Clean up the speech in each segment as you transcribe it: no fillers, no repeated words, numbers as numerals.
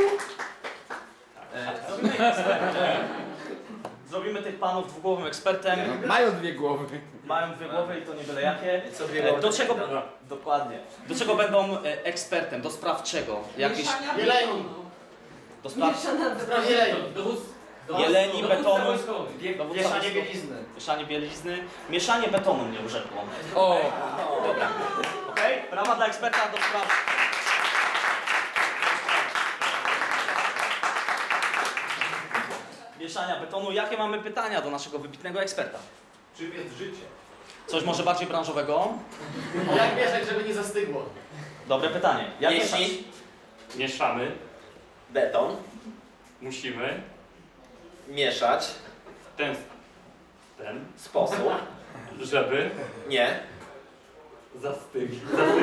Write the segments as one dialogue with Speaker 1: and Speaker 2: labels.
Speaker 1: Zrobimy tych panów dwugłowym ekspertem.
Speaker 2: Mają dwie głowy.
Speaker 1: Mają dwie głowy i to nie byle jakie.
Speaker 3: Co dwie głowy?
Speaker 1: Do czego... Dokładnie. Do czego będą ekspertem? Do spraw czego? Jakieś...
Speaker 3: Jeleni.
Speaker 1: Do spraw...
Speaker 3: Spraw jeleni.
Speaker 1: Jeleni, betonu.
Speaker 3: Mieszanie bielizny.
Speaker 1: Mieszanie bielizny. Mieszanie betonu mnie urzekło.
Speaker 2: O!
Speaker 1: Dobra. Okej? Brawa dla eksperta do spraw... mieszania betonu. Jakie mamy pytania do naszego wybitnego eksperta?
Speaker 3: Czym jest życie?
Speaker 1: Coś może bardziej branżowego?
Speaker 3: Jak mieszać, żeby nie zastygło?
Speaker 1: Dobre pytanie. Jak
Speaker 4: Jeśli
Speaker 1: mieszać?
Speaker 4: mieszamy,
Speaker 3: Beton.
Speaker 4: musimy
Speaker 3: Mieszać.
Speaker 4: w ten
Speaker 3: Sposób.
Speaker 4: żeby
Speaker 3: Nie.
Speaker 4: zastygnął,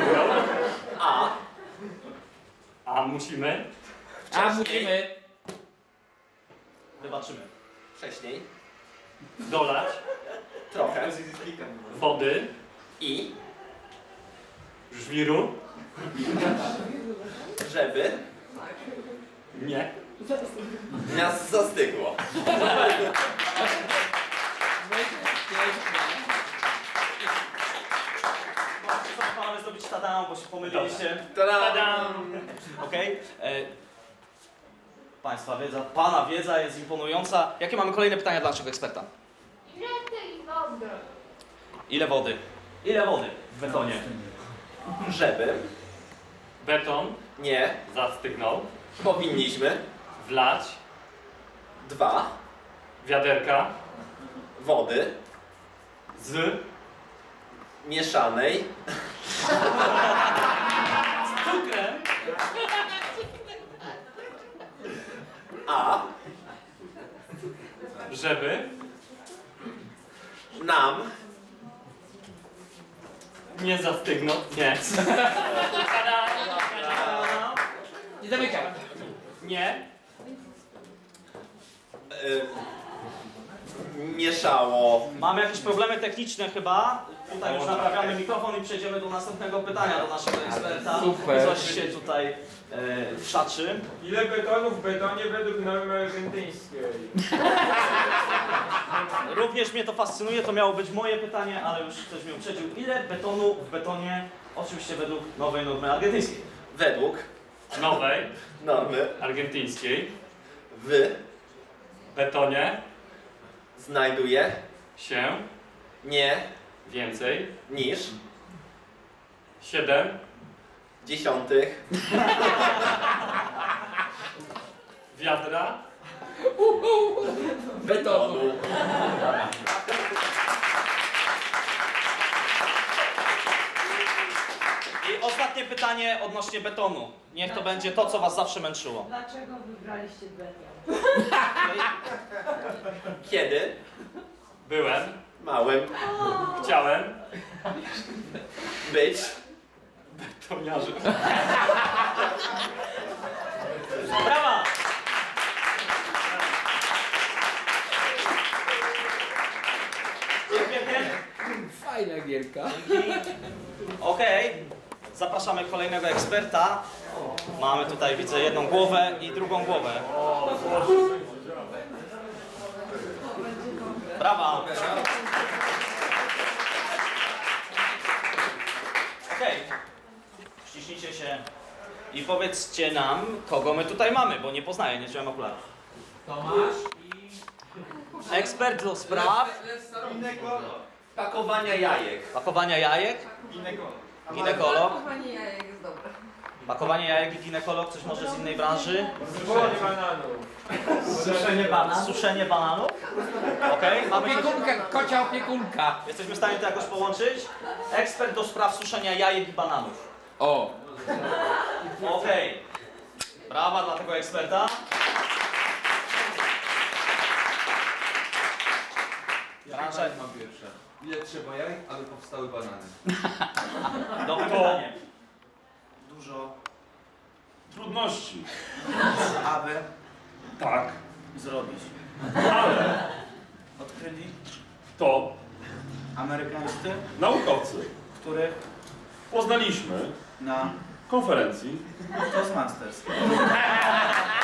Speaker 4: a musimy
Speaker 2: A musimy...
Speaker 1: Wybaczymy.
Speaker 3: Wcześniej.
Speaker 4: dolać
Speaker 3: Trochę.
Speaker 4: wody,
Speaker 3: I.
Speaker 4: żwiru,
Speaker 3: Żeby.
Speaker 4: nie,
Speaker 3: Nas zastygło.
Speaker 1: Co panowie zrobić tadam, bo się pomyliliście.
Speaker 3: Tadam!
Speaker 1: Okej? Państwa wiedza, pana wiedza jest imponująca. Jakie mamy kolejne pytania dla naszego eksperta?
Speaker 5: Ile tej wody?
Speaker 1: Ile wody? Ile wody w betonie?
Speaker 3: Żeby.
Speaker 4: beton
Speaker 3: Nie.
Speaker 4: zastygnął,
Speaker 3: Powinniśmy.
Speaker 4: wlać
Speaker 3: 2.
Speaker 4: wiaderka
Speaker 3: Wody.
Speaker 4: z
Speaker 3: Mieszanej.
Speaker 1: Cukrem.
Speaker 3: A.
Speaker 4: żeby
Speaker 3: Nam.
Speaker 4: nie zastygnął, nie,
Speaker 2: Nie zamykaj.
Speaker 4: nie,
Speaker 3: Mieszało.
Speaker 1: Mamy jakieś problemy techniczne chyba. Tutaj już naprawiamy mikrofon i przejdziemy do następnego pytania do naszego eksperta.
Speaker 2: Super.
Speaker 1: Coś się tutaj wszaczy.
Speaker 6: Ile betonu w betonie według normy argentyńskiej?
Speaker 1: Również mnie to fascynuje, to miało być moje pytanie, ale już ktoś mnie uprzedził. Ile betonu w betonie, oczywiście według nowej normy argentyńskiej?
Speaker 3: Według
Speaker 4: nowej,
Speaker 3: normy
Speaker 4: argentyńskiej,
Speaker 3: w
Speaker 4: betonie
Speaker 3: znajduje
Speaker 4: się
Speaker 3: nie
Speaker 4: więcej
Speaker 3: niż
Speaker 4: 7
Speaker 3: dziesiątych
Speaker 4: wiadra
Speaker 2: Betonu.
Speaker 3: tonu.
Speaker 1: I ostatnie pytanie odnośnie betonu. Niech to będzie to, co was zawsze męczyło.
Speaker 7: Dlaczego wybraliście beton?
Speaker 3: Kiedy
Speaker 4: byłem,
Speaker 3: małym
Speaker 4: chciałem
Speaker 3: być
Speaker 4: betoniarzem.
Speaker 1: Brawa! Dziękuję.
Speaker 2: Fajna gierka.
Speaker 1: Okej, zapraszamy kolejnego eksperta. Mamy tutaj, widzę, jedną głowę i drugą głowę. Brawa! Okej, ściśnijcie się i powiedzcie nam, kogo my tutaj mamy, bo nie poznaję, nie wziąłem okularów.
Speaker 6: Tomasz
Speaker 1: Ekspert do spraw
Speaker 3: pakowania jajek.
Speaker 1: pakowania jajek,
Speaker 6: i
Speaker 1: ginekolog.
Speaker 7: Pakowanie jajek jest dobre.
Speaker 1: Pakowanie jajek i ginekolog, coś może z innej branży?
Speaker 6: Suszenie bananów.
Speaker 3: Suszenie bananów.
Speaker 1: Suszenie bananów. Okej, mamy coś...
Speaker 2: Opiekunka, kocia opiekunka.
Speaker 1: Jesteśmy w stanie to jakoś połączyć? Ekspert do spraw suszenia jajek i bananów.
Speaker 2: O!
Speaker 1: Okej. Brawa dla tego eksperta. Branża...
Speaker 8: Mam pierwsze. Ile trzeba jaj, aby powstały banany?
Speaker 1: Dobre pytanie.
Speaker 8: Dużo.
Speaker 6: Trudności.
Speaker 8: Aby
Speaker 4: Tak,
Speaker 8: zrobić.
Speaker 4: ale
Speaker 8: Odkryli
Speaker 4: to
Speaker 8: amerykańscy,
Speaker 4: naukowcy
Speaker 8: których
Speaker 4: poznaliśmy
Speaker 8: na
Speaker 4: konferencji
Speaker 8: Toastmasters.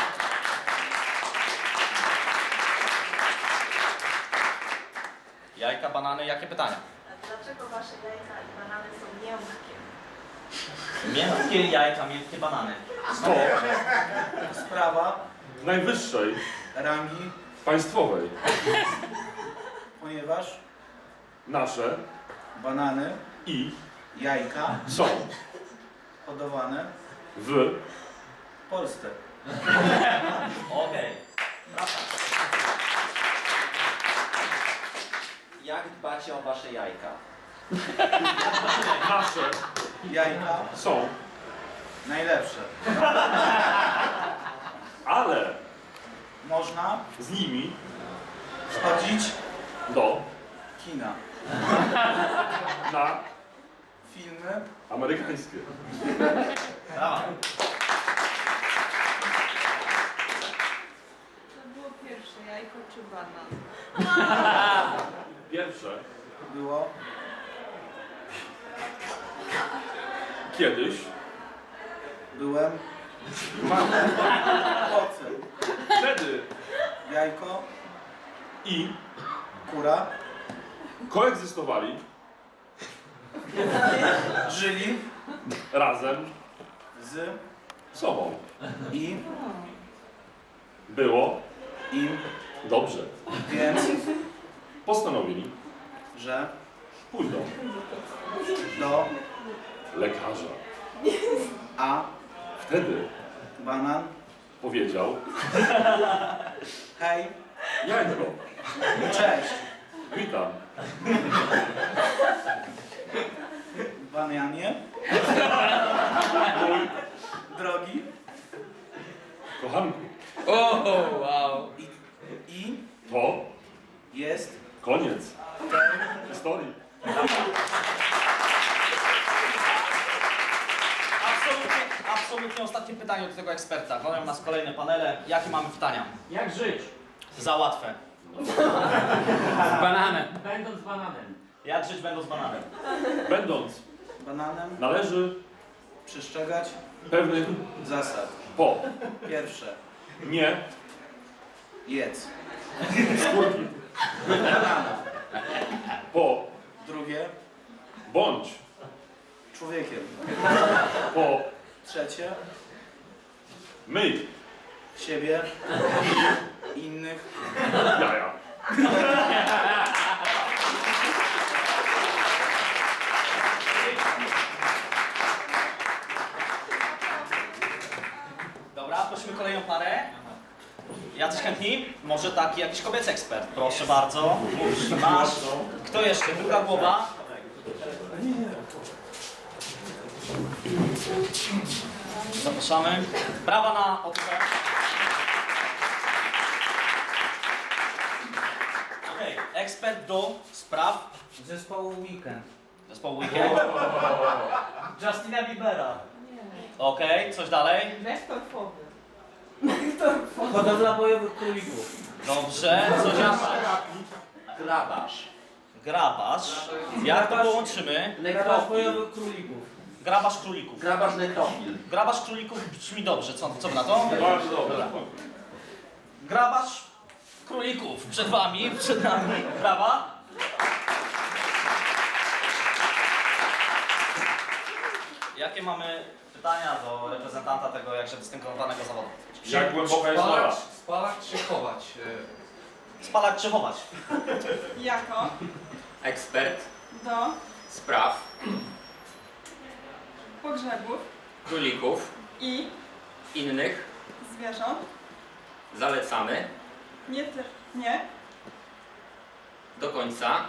Speaker 1: Jajka, banany, jakie pytania?
Speaker 5: Dlaczego wasze jajka i banany są miękkie?
Speaker 1: Miękkie jajka, miękkie banany.
Speaker 4: To
Speaker 8: Sprawa
Speaker 4: najwyższej
Speaker 8: rangi,
Speaker 4: państwowej.
Speaker 8: ponieważ
Speaker 4: Nasze
Speaker 8: banany,
Speaker 4: i
Speaker 8: jajka
Speaker 4: są
Speaker 8: hodowane
Speaker 4: w
Speaker 8: w Polsce.
Speaker 1: Okej.
Speaker 3: Jak dbacie o wasze jajka?
Speaker 4: nasze
Speaker 8: Jajka
Speaker 4: są,
Speaker 8: najlepsze.
Speaker 4: ale
Speaker 8: Można
Speaker 4: z nimi
Speaker 8: chodzić
Speaker 4: do
Speaker 8: kina,
Speaker 4: na
Speaker 8: filmy,
Speaker 4: amerykańskie.
Speaker 1: Brawa.
Speaker 7: To było pierwsze, jajko czy banan?
Speaker 4: Pierwsze
Speaker 8: było
Speaker 4: kiedyś
Speaker 8: byłem owcem.
Speaker 4: wtedy
Speaker 8: Jajko,
Speaker 4: i
Speaker 8: kura
Speaker 4: koegzystowali
Speaker 8: żyli
Speaker 4: razem
Speaker 8: z
Speaker 4: sobą.
Speaker 8: i
Speaker 4: Było
Speaker 8: im,
Speaker 4: dobrze.
Speaker 8: więc,
Speaker 4: Postanowili,
Speaker 8: że
Speaker 4: pójdą
Speaker 8: do
Speaker 4: lekarza.
Speaker 8: a
Speaker 4: Wtedy
Speaker 8: banan,
Speaker 4: powiedział:
Speaker 8: hej,
Speaker 4: jajko,
Speaker 8: cześć,
Speaker 4: witam.
Speaker 8: banianie,
Speaker 4: Mój
Speaker 8: drogi
Speaker 4: kochanku,
Speaker 2: O, wow.
Speaker 8: i
Speaker 4: to
Speaker 8: jest
Speaker 4: koniec
Speaker 8: ten
Speaker 4: historii.
Speaker 1: Absolutnie ostatnie pytanie do tego eksperta. Koleją nas kolejne panele. Jakie mamy pytania?
Speaker 2: Jak żyć?
Speaker 1: Za łatwe.
Speaker 2: Z bananem.
Speaker 9: Będąc bananem.
Speaker 1: Jak żyć będą z bananem?
Speaker 4: Będąc
Speaker 8: bananem
Speaker 4: należy
Speaker 8: przestrzegać
Speaker 4: pewnych
Speaker 8: zasad.
Speaker 4: po
Speaker 8: Pierwsze,
Speaker 4: nie
Speaker 8: jedz
Speaker 4: skórki,
Speaker 8: banana.
Speaker 4: po
Speaker 8: Drugie,
Speaker 4: bądź
Speaker 8: człowiekiem.
Speaker 4: po
Speaker 8: Trzecie,
Speaker 4: myj
Speaker 8: siebie, innych.
Speaker 4: jaja.
Speaker 1: Dobra, prosimy kolejną parę. Jacyś chętni? Może taki jakiś kobiecy ekspert. Proszę bardzo. Masz. Kto jeszcze? Druga głowa. Zapraszamy. Brawa na odwrót. Okej, ekspert do spraw
Speaker 8: Zespołu Weekend.
Speaker 1: zespołu Weekend. Justina Biebera. Okej, coś dalej?
Speaker 7: Wektor fowy.
Speaker 8: Hodowla bojowych królików.
Speaker 1: Dobrze, coś jeszcze?
Speaker 3: Grabarz.
Speaker 1: Grabarz. Jak to połączymy?
Speaker 8: Grabarz bojowych królików.
Speaker 1: Grabarz królików.
Speaker 3: Grabarz nekrofil.
Speaker 1: Grabarz królików brzmi dobrze, co wy na to?
Speaker 4: Bardzo dobrze.
Speaker 1: Grabarz królików przed wami, przed nami. Brawa. Jakie mamy pytania do reprezentanta tego jakże dystyngowanego zawodu?
Speaker 4: Jak głęboka jest nora?
Speaker 2: Spalać czy chować?
Speaker 1: Spalać czy chować?
Speaker 10: Jako
Speaker 3: Ekspert
Speaker 10: do
Speaker 3: spraw
Speaker 10: pogrzebów
Speaker 3: królików
Speaker 10: i
Speaker 3: innych
Speaker 10: zwierząt
Speaker 3: zalecamy
Speaker 10: nie
Speaker 3: do końca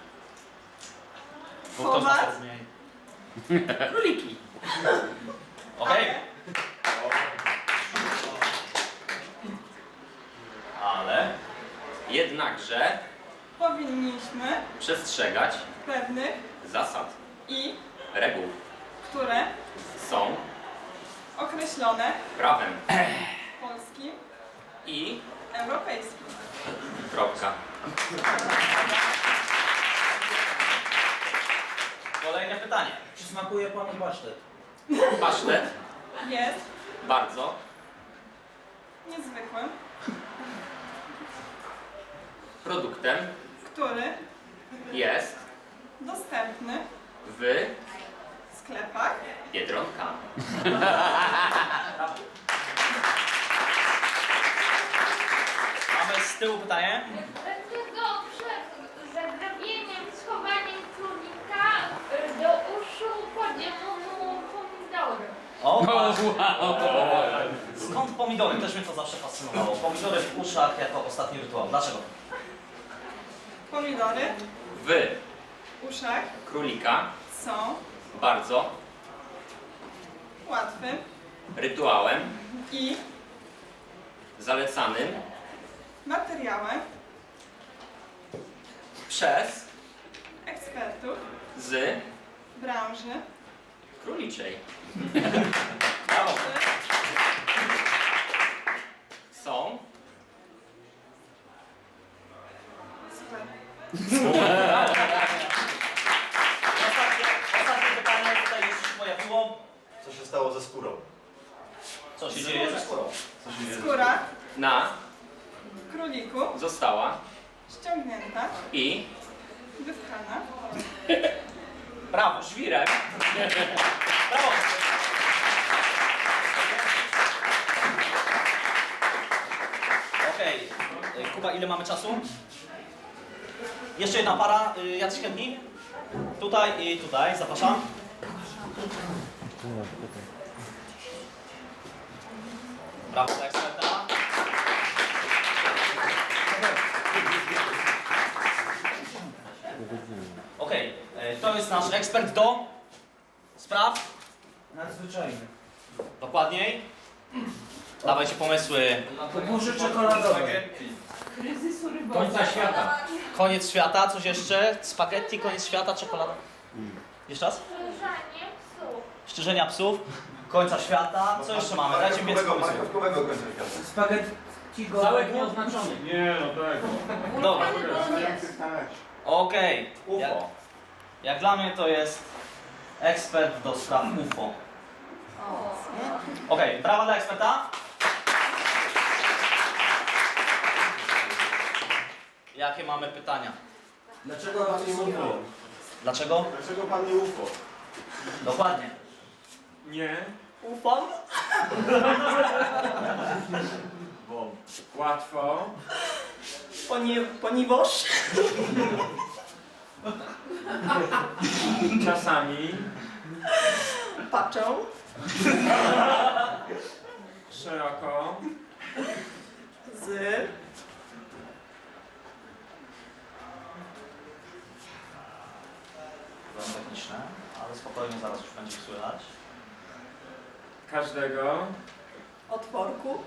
Speaker 10: chować,
Speaker 3: króliki.
Speaker 1: Okej. Ale
Speaker 3: Jednakże
Speaker 10: powinniśmy
Speaker 3: przestrzegać
Speaker 10: pewnych
Speaker 3: zasad,
Speaker 10: i
Speaker 3: reguł,
Speaker 10: które
Speaker 3: są
Speaker 10: określone
Speaker 3: prawem
Speaker 10: polskim,
Speaker 3: i
Speaker 10: europejskim.
Speaker 3: kropka.
Speaker 1: kolejne pytanie.
Speaker 8: Czy smakuje panu pasztet?
Speaker 3: Pasztet
Speaker 10: Jest
Speaker 3: bardzo
Speaker 10: niezwykłym,
Speaker 3: produktem
Speaker 10: który
Speaker 3: jest
Speaker 10: Dostępny
Speaker 3: w
Speaker 10: w sklepach.
Speaker 3: Biedronka.
Speaker 1: Mamy z tyłu pytanie.
Speaker 9: Dlaczego przed zagrabieniem, schowaniem królika do uszu kładziemy mu pomidory?
Speaker 1: O,
Speaker 2: wow.
Speaker 1: skąd pomidory? Też mnie to zawsze fascynowało. Pomidory w uszach jako ostatni rytuał. Dlaczego?
Speaker 10: Pomidory
Speaker 3: W
Speaker 10: w uszach
Speaker 3: królika
Speaker 10: są
Speaker 3: bardzo
Speaker 10: łatwym
Speaker 3: rytuałem
Speaker 10: i
Speaker 3: zalecanym
Speaker 10: materiałem
Speaker 3: przez
Speaker 10: ekspertów
Speaker 3: z
Speaker 10: branży.
Speaker 3: króliczej.
Speaker 1: Brawo.
Speaker 3: Są
Speaker 10: Super.
Speaker 1: Ostatnie pytanie tutaj już się pojawiło.
Speaker 11: Co się stało ze skórą?
Speaker 1: Co się dzieje ze skórą?
Speaker 11: Co się dzieje?
Speaker 10: Skóra
Speaker 3: na
Speaker 10: króliku
Speaker 3: została
Speaker 10: ściągnięta,
Speaker 3: i
Speaker 10: wypchana.
Speaker 1: Brawo.
Speaker 3: żwirem
Speaker 1: Brawo. Okej. Kuba, ile mamy czasu? Jeszcze jedna para. Jacyś chętni? Tutaj i tutaj. Zapraszam. Brawo dla eksperta. Okej. To jest nasz ekspert do spraw.
Speaker 8: Nadzwyczajny.
Speaker 1: Dokładniej. Dawajcie pomysły.
Speaker 8: Burzy czekoladowe.
Speaker 7: Kryzysu rybowego.
Speaker 2: Końca świata.
Speaker 1: Koniec świata, coś jeszcze? Spaghetti, koniec świata, czekolada. Jeszcze raz?
Speaker 9: Strzeżanie psów.
Speaker 1: Szczerzenia psów, końca świata. Co jeszcze mamy? Dajcie mi więcej pomysłów.
Speaker 11: Marchewkowego końca świata.
Speaker 8: Spaghetti
Speaker 2: Całek
Speaker 8: go.
Speaker 2: nieoznaczony.
Speaker 4: Nie, no tak.
Speaker 1: Dobra.
Speaker 11: Tak.
Speaker 1: Okej. Jak,
Speaker 3: UFO.
Speaker 1: jak dla mnie to jest ekspert do spraw UFO. Okej, brawa dla eksperta. Jakie mamy pytania?
Speaker 8: Dlaczego pan nie mówił?
Speaker 1: Dlaczego?
Speaker 11: Dlaczego pan nie UFO?
Speaker 1: Dokładnie.
Speaker 6: Nie.
Speaker 10: Ufon.
Speaker 11: Bo
Speaker 6: Łatwo.
Speaker 10: Ponieważ
Speaker 6: Czasami.
Speaker 10: patrzą
Speaker 6: Szeroko.
Speaker 10: z
Speaker 1: Byłem techniczne, ale spokojnie zaraz już będzie słychać.
Speaker 6: Każdego.
Speaker 10: otworku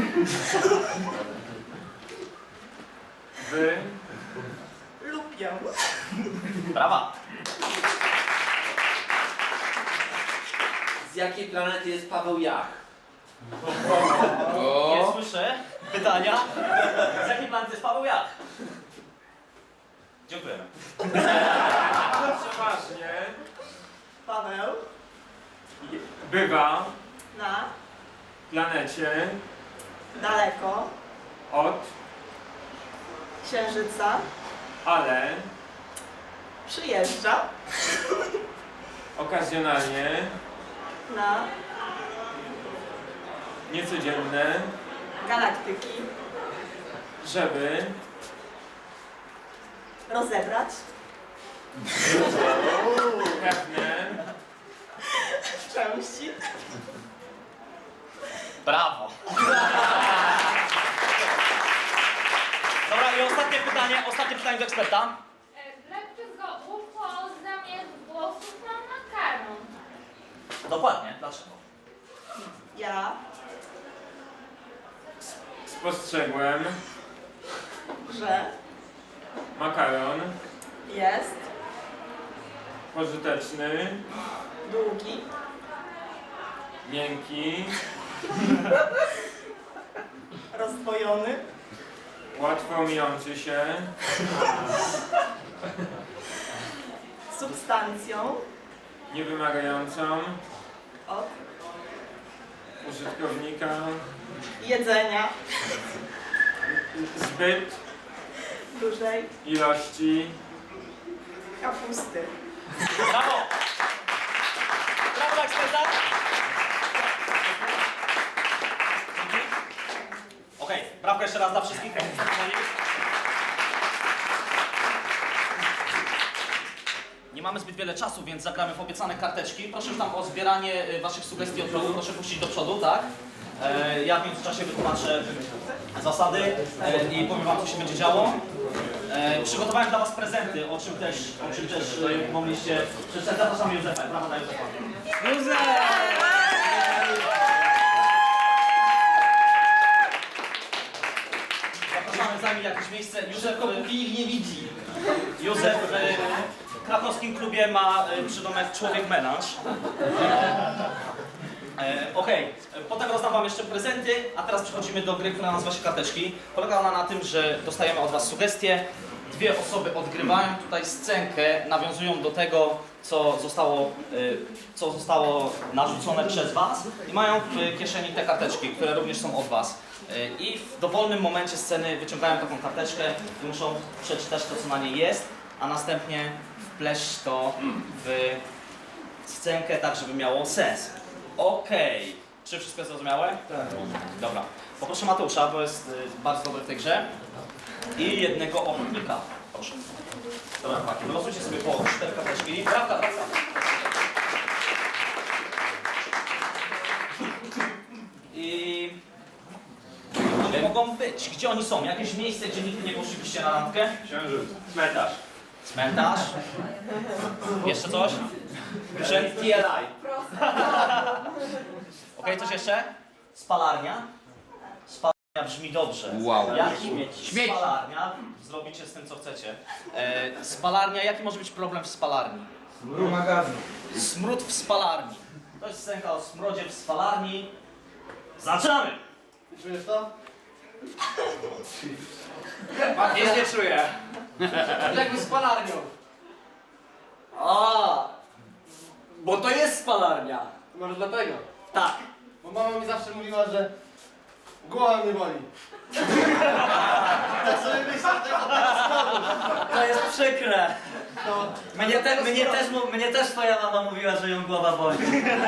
Speaker 6: Wy.
Speaker 10: lubią.
Speaker 1: Brawa.
Speaker 2: Z jakiej planety jest Paweł Jach?
Speaker 1: Nie słyszę pytania. Z jakiej planety jest Paweł Jach? Dziękujemy.
Speaker 6: Przeważnie.
Speaker 10: Paweł
Speaker 6: Bywa
Speaker 10: na
Speaker 6: planecie
Speaker 10: daleko
Speaker 6: od,
Speaker 10: księżyca
Speaker 6: ale
Speaker 10: przyjeżdża
Speaker 6: okazjonalnie
Speaker 10: na
Speaker 6: niecodzienne,
Speaker 10: galaktyki
Speaker 6: żeby
Speaker 10: rozebrać
Speaker 6: pewne
Speaker 10: części.
Speaker 1: Brawo. Dobra, i ostatnie pytanie do eksperta.
Speaker 9: Dlaczego UFO zamiast włosów ma makaron?
Speaker 1: Dokładnie, dlaczego?
Speaker 10: Ja
Speaker 6: spostrzegłem
Speaker 10: że
Speaker 6: makaron
Speaker 10: jest
Speaker 6: pożyteczny,
Speaker 10: długi,
Speaker 6: miękki,
Speaker 10: rozdwojony,
Speaker 6: łatwo mijący się,
Speaker 10: substancją
Speaker 6: niewymagającą
Speaker 10: od
Speaker 6: użytkownika
Speaker 10: jedzenia
Speaker 6: zbyt
Speaker 10: dużej
Speaker 6: ilości
Speaker 10: Kapusty.
Speaker 1: Brawo! Brawo dla eksperta! Okej, brawko jeszcze raz dla wszystkich. Nie mamy zbyt wiele czasu, więc zagramy w obiecane karteczki. Proszę już tam o zbieranie waszych sugestii od przodu. Proszę puścić do przodu, tak? Ja w międzyczasie wytłumaczę zasady i powiem wam, co się będzie działo. Przygotowałem dla was prezenty, o czym też mogliście przeczytać. Zapraszam Józefa. Brawo dla Józefa. Zapraszamy, zajmij jakieś miejsce. Józef ich nie widzi. Józef w krakowskim klubie ma przydomek Człowiek Melanż. Okej, potem rozdam wam jeszcze prezenty, a teraz przechodzimy do gry, która nazywa się karteczki. Polega ona na tym, że dostajemy od was sugestie. Dwie osoby odgrywają tutaj scenkę, nawiązują do tego, co zostało narzucone przez was i mają w kieszeni te karteczki, które również są od was. I w dowolnym momencie sceny wyciągają taką karteczkę i muszą przeczytać to, co na niej jest, a następnie wpleść to w scenkę tak, żeby miało sens. Okej. Czy wszystko jest zrozumiałe? Tak. Dobra. Poproszę Mateusza, bo jest bardzo dobry w tej grze. I jednego ochotnika. Proszę. Dobra, chłopaki, wylosujcie sobie po 4 karteczki. Prawda. I... One mogą być. Gdzie oni są? Jakieś miejsce, gdzie nigdy nie poszlibyście na randkę?
Speaker 4: Księżyc.
Speaker 11: Cmentarz.
Speaker 1: Cmentarz? Jeszcze coś?
Speaker 2: TLI.
Speaker 1: Okej, coś jeszcze? Spalarnia? Spalarnia brzmi dobrze.
Speaker 3: Wow.
Speaker 1: Jaki spalarnia? Zrobicie z tym, co chcecie. Spalarnia, jaki może być problem w spalarni?
Speaker 8: Ruma gazu.
Speaker 1: Smród w spalarni. To jest scenka o smrodzie w spalarni. Zaczynamy!
Speaker 6: Czujesz to?
Speaker 3: Nic nie czuję.
Speaker 6: Jakby z palarnią.
Speaker 3: A, bo to jest spalarnia.
Speaker 6: Może dlatego.
Speaker 3: Tak.
Speaker 6: Bo mama mi zawsze mówiła, że głowa mnie boli. Tak sobie myślę,
Speaker 10: To jest przykre.
Speaker 6: no.
Speaker 10: Mnie też twoja mama mówiła, że ją głowa boli.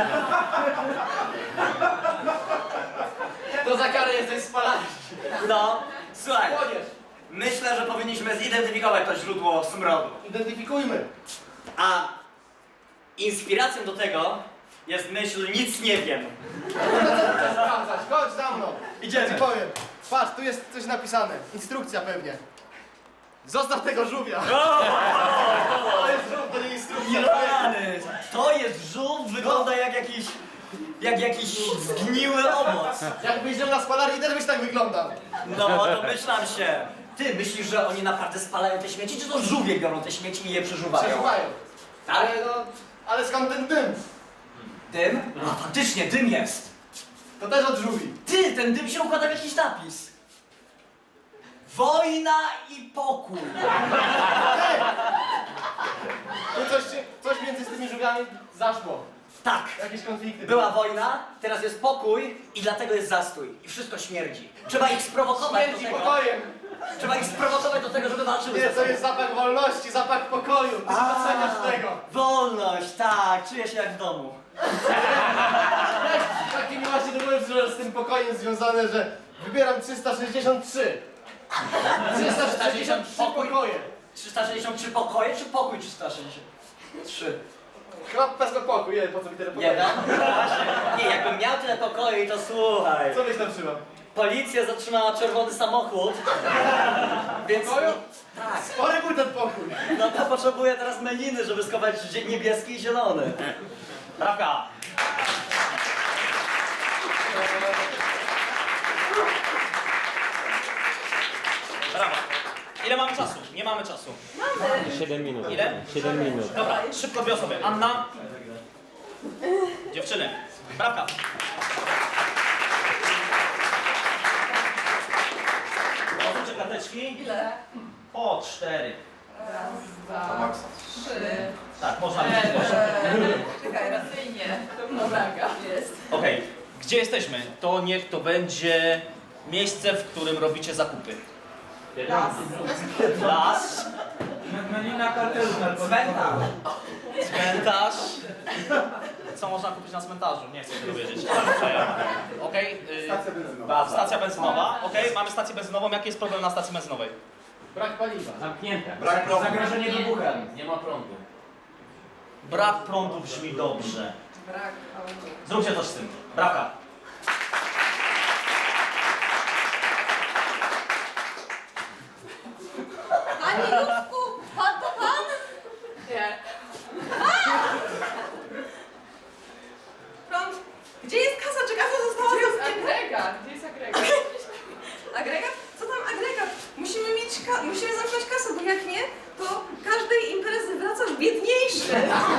Speaker 6: To za karę jesteś z palarni.
Speaker 10: No, słuchaj,
Speaker 6: Chłodziesz.
Speaker 10: myślę, że powinniśmy zidentyfikować to źródło smrodu.
Speaker 6: Identyfikujmy.
Speaker 10: A inspiracją do tego jest myśl nic nie wiem.
Speaker 6: Chcę sprawdzać. Chodź za mną.
Speaker 10: Idziemy.
Speaker 6: Ja ci powiem. Patrz, tu jest coś napisane. Instrukcja pewnie. Zostaw tego żółwia. To jest żółw, to nie instrukcja.
Speaker 10: Rany! To jest żółw, wygląda jak jakiś zgniły owoc.
Speaker 6: Jakbyś żył na spalarni, też byś tak wyglądał.
Speaker 10: No, domyślam się. Ty myślisz, że oni naprawdę spalają te śmieci, czy to żółwie biorą te śmieci i je przeżuwają?
Speaker 6: Przeżywają.
Speaker 10: Tak?
Speaker 6: Ale skąd ten dym?
Speaker 10: Dym? A faktycznie, dym jest.
Speaker 6: To też od żółwi.
Speaker 10: Ty, ten dym się układa w jakiś napis. Wojna i pokój.
Speaker 6: Tu coś między z tymi żółwiami zaszło.
Speaker 10: Tak.
Speaker 6: Jakieś konflikty.
Speaker 10: Była wojna, teraz jest pokój i dlatego jest zastój. I wszystko śmierdzi. Trzeba ich sprowokować
Speaker 6: Śmierdzi
Speaker 10: do tego.
Speaker 6: pokojem.
Speaker 10: Trzeba ich sprowokować do tego, żeby walczyły
Speaker 6: Nie,
Speaker 10: ze
Speaker 6: to
Speaker 10: sobą.
Speaker 6: jest zapach wolności, zapach pokoju. Ty nie doceniasz tego.
Speaker 10: Wolność, tak, czuję się jak w domu.
Speaker 6: Takie mi właśnie do głowy przyszło z tym pokojem związane, że wybieram 363. 363 pokoje.
Speaker 10: 363 pokoje, czy pokój 363?
Speaker 6: Chyba wezmę pokój, nie, po co mi tyle pokoju?
Speaker 10: Nie, no? Właśnie. Nie, jakbym miał tyle pokoi, to słuchaj.
Speaker 6: Co byś tam trzymał?
Speaker 10: Policja zatrzymała czerwony samochód. Więc...
Speaker 6: Pokoju?
Speaker 10: Tak.
Speaker 6: Spory był ten pokój.
Speaker 10: No to potrzebuję teraz meliny, żeby schować niebieski i zielony.
Speaker 1: Prawda. Brawo. Ile mamy czasu? Nie mamy czasu.
Speaker 12: 7 minut.
Speaker 1: Ile?
Speaker 12: 7 minut.
Speaker 1: Dobra, szybko dwie osoby. Anna. Dziewczyny. Brawka. Otwórzcie karteczki.
Speaker 7: Ile?
Speaker 1: Po 4.
Speaker 7: Raz,
Speaker 11: To
Speaker 7: dwa,
Speaker 11: maksa.
Speaker 7: 3.
Speaker 1: Tak, można być głośno.
Speaker 7: Czekaj, racyjnie. To mnoga jest.
Speaker 1: Okej, gdzie jesteśmy? To niech to będzie miejsce, w którym robicie zakupy.
Speaker 7: Las.
Speaker 1: Las.
Speaker 8: Melina kartelu narkotykowego.
Speaker 1: Cmentarz. Co można kupić na cmentarzu? Nie chcę tego wiedzieć. Okej.
Speaker 11: Stacja benzynowa.
Speaker 1: Stacja benzynowa. Okej, mamy stację benzynową. Jaki jest problem na stacji benzynowej?
Speaker 6: Brak paliwa.
Speaker 2: Zamknięte.
Speaker 11: Brak prądu.
Speaker 8: Zagrożenie wybuchem.
Speaker 2: Nie ma prądu.
Speaker 1: Brak prądu brzmi dobrze.
Speaker 7: Brak auto.
Speaker 1: Zróbcie coś z tym. Brawka.
Speaker 7: Panie Józku, pan to pan? Nie. Prąd. Gdzie jest kasa? Czy kasa została zamknięta? Agregat. Gdzie jest agregat? Agregat? Co tam agregat? Musimy zamknąć kasę, bo jak nie, to każdej imprezy wracasz biedniejszy.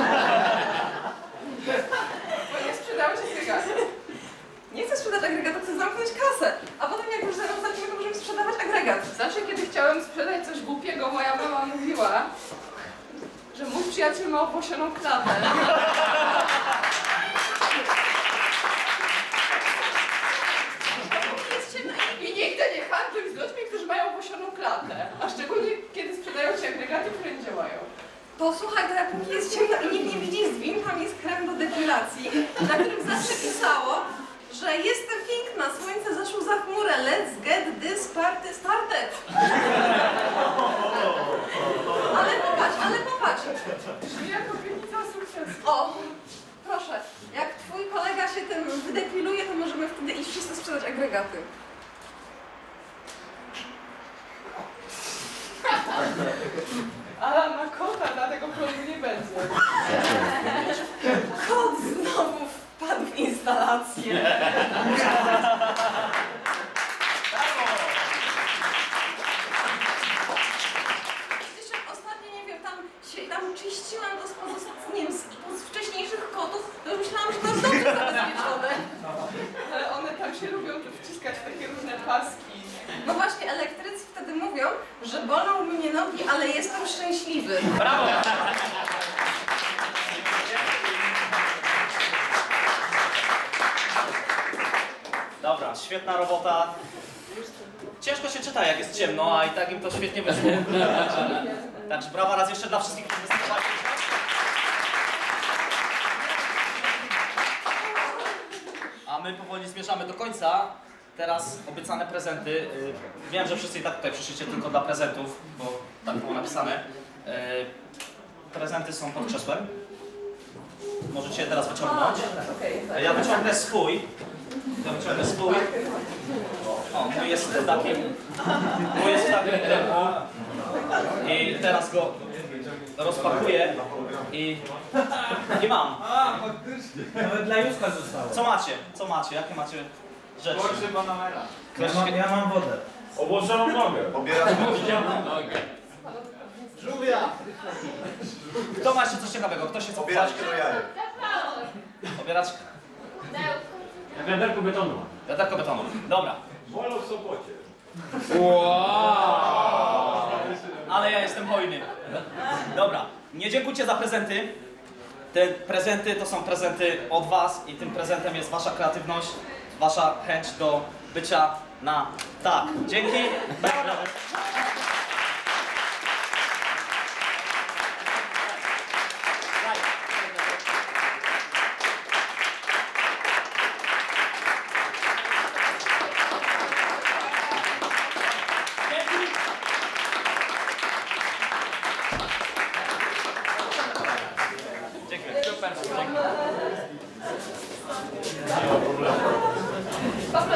Speaker 7: Bo nie sprzedało się agregatu. Nie chcę sprzedać agregatu, chcę zamknąć kasę. A potem jak już zaraz zaczniemy, to możemy sprzedawać agregat.
Speaker 12: Zawsze, kiedy chciałem sprzedać coś głupiego, moja mama mówiła, że mój przyjaciel ma opłosioną klatę.
Speaker 7: Jest ciemno i
Speaker 12: I nigdy nie handluj z ludźmi, którzy mają opłosioną klatę. A szczególnie, kiedy sprzedają ci agregaty, które nie działają.
Speaker 7: To słuchaj, to jak póki jest ciemno i nikt nie widzi zwin, tam jest krem do depilacji, na którym zawsze pisało, że jestem piękna, słońce zaszło za chmurę, let's get this party started. Ale popatrz.
Speaker 12: Brzmi jak obietnica sukcesu.
Speaker 7: O, proszę, jak twój kolega się tym wydepiluje, to możemy wtedy iść wszyscy sprzedać agregaty.
Speaker 12: Ala ma kota, dlatego prądu nie będzie.
Speaker 7: Kot znowu wpadł w instalację. Jeszcze ostatnio, nie wiem, tam czyściłam to z wcześniejszych kotów, to już myślałam, że to jest dobrze zabezpieczone.
Speaker 12: Ale one tam się lubią wciskać w takie różne paski.
Speaker 7: No właśnie, elektrycy wtedy mówią, że bolą mnie nogi, ale jestem szczęśliwy.
Speaker 1: Brawo! Dobra, świetna robota. Ciężko się czyta, jak jest ciemno, a i tak im to świetnie wyszło. Także brawa raz jeszcze dla wszystkich, którzy występowali. A my powoli zmierzamy do końca. Teraz obiecane prezenty. Wiem, że wszyscy i tak tutaj przyszliście tylko dla prezentów, bo tak było napisane. Prezenty są pod krzesłem. Możecie je teraz wyciągnąć. Ja wyciągnę swój. O, mój jest w takim pudełku. I teraz go rozpakuję i mam.
Speaker 8: Nawet dla Józka zostało.
Speaker 1: Co macie? Jakie macie rzeczy?
Speaker 11: Porsche Panamera.
Speaker 8: Ja mam wodę.
Speaker 4: Obłożoną nogę.
Speaker 11: Obierasz
Speaker 6: Żółwia!
Speaker 1: Kto ma jeszcze coś ciekawego? Kto się co
Speaker 11: Obieraczkę do jajek.
Speaker 1: Obieraczkę.
Speaker 2: Wiaderko betonu.
Speaker 1: Wiaderko betonu. Dobra.
Speaker 4: Wolą w Sopocie.
Speaker 1: Ale ja jestem hojny. Dobra. Nie dziękujcie za prezenty. Te prezenty to są prezenty od was i tym prezentem jest wasza kreatywność, wasza chęć do bycia na tak. Dzięki. Dziękuję. Super. Dziękuję.